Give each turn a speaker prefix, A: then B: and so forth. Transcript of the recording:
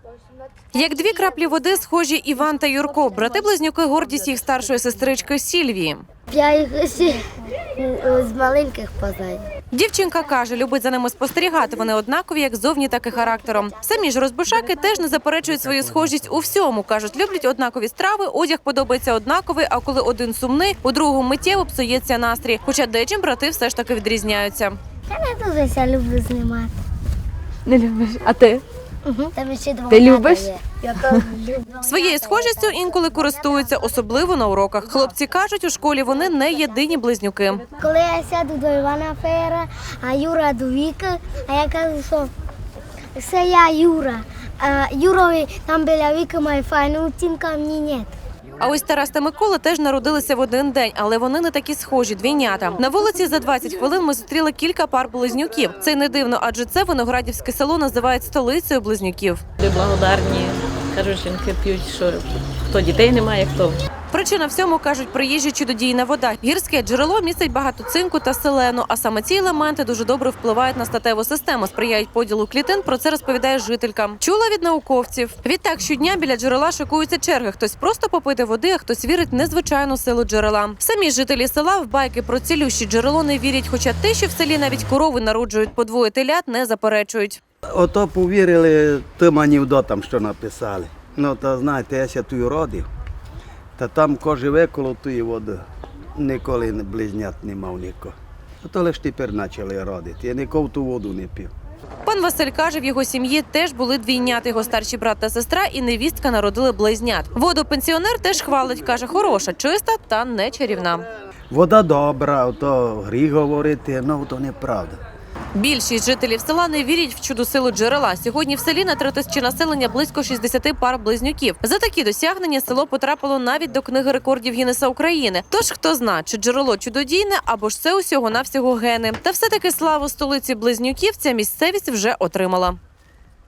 A: Як дві краплі води схожі Іван та Юрко. Брати-близнюки – гордість їх старшої сестрички Сільвії.
B: Я їх ще з маленьких познаю.
A: Дівчинка каже, любить за ними спостерігати. Вони однакові як зовні, так і характером. Самі ж розбишаки теж не заперечують свою схожість у всьому. Кажуть, люблять однакові страви, одяг подобається однаковий, а коли один сумний, у другому миттєво псується настрій. Хоча дечим брати все ж таки відрізняються.
B: Я не дуже люблю знімати.
C: Не любиш? А ти?
B: Там ще два
C: Ти
B: брата
C: любиш?
B: є. Я теж люблю.
A: Своєю схожістю інколи користуються, особливо на уроках. Хлопці кажуть, у школі вони не єдині близнюки.
B: Коли я сяду до Івана Феєра, а Юра до Віки, а я кажу, що це я Юра. А Юрові там біля Віки має файну оцінку, а мені ні.
A: А ось Тарас та Микола теж народилися в один день, але вони не такі схожі, двійнята. На вулиці за 20 хвилин ми зустріли кілька пар близнюків. Це й не дивно, адже це Виноградівське село називають столицею близнюків.
D: Люди благодарні, кажуть, жінки п'ють, що хто дітей немає, хто.
A: Причина всьому, кажуть, приїжджа чудодійна вода. Гірське джерело містить багато цинку та селену, а саме ці елементи дуже добре впливають на статеву систему, сприяють поділу клітин, про це розповідає жителька. Чула від науковців. Відтак щодня біля джерела шикуються черги. Хтось просто попити води, а хтось вірить в незвичайну силу джерела. Самі жителі села в байки про цілющі джерело не вірять, хоча те, що в селі навіть корови народжують по двоє телят, не заперечують.
E: Ото повірили тим анекдотам, що написали. Ну, то знаєте, я ся тут родив, та там ко живе коло тої води. Ніколи близнят не мав нікого. То лише тепер почали родити. Я ніколи ту воду не пив.
A: Пан Василь каже, в його сім'ї теж були двійнята. Його старший брат та сестра і невістка народили близнят. Воду пенсіонер теж хвалить, каже, хороша, чиста та не чарівна.
E: Вода добра, то гріх говорити, ну то неправда.
A: Більшість жителів села не вірять в чудо силу джерела. Сьогодні в селі на 3 тисячі населення близько 60 пар близнюків. За такі досягнення село потрапило навіть до книги рекордів Гіннеса України. Тож хто зна, чи джерело чудодійне, або ж це усього-навсього гени. Та все-таки славу столиці близнюків ця місцевість вже отримала.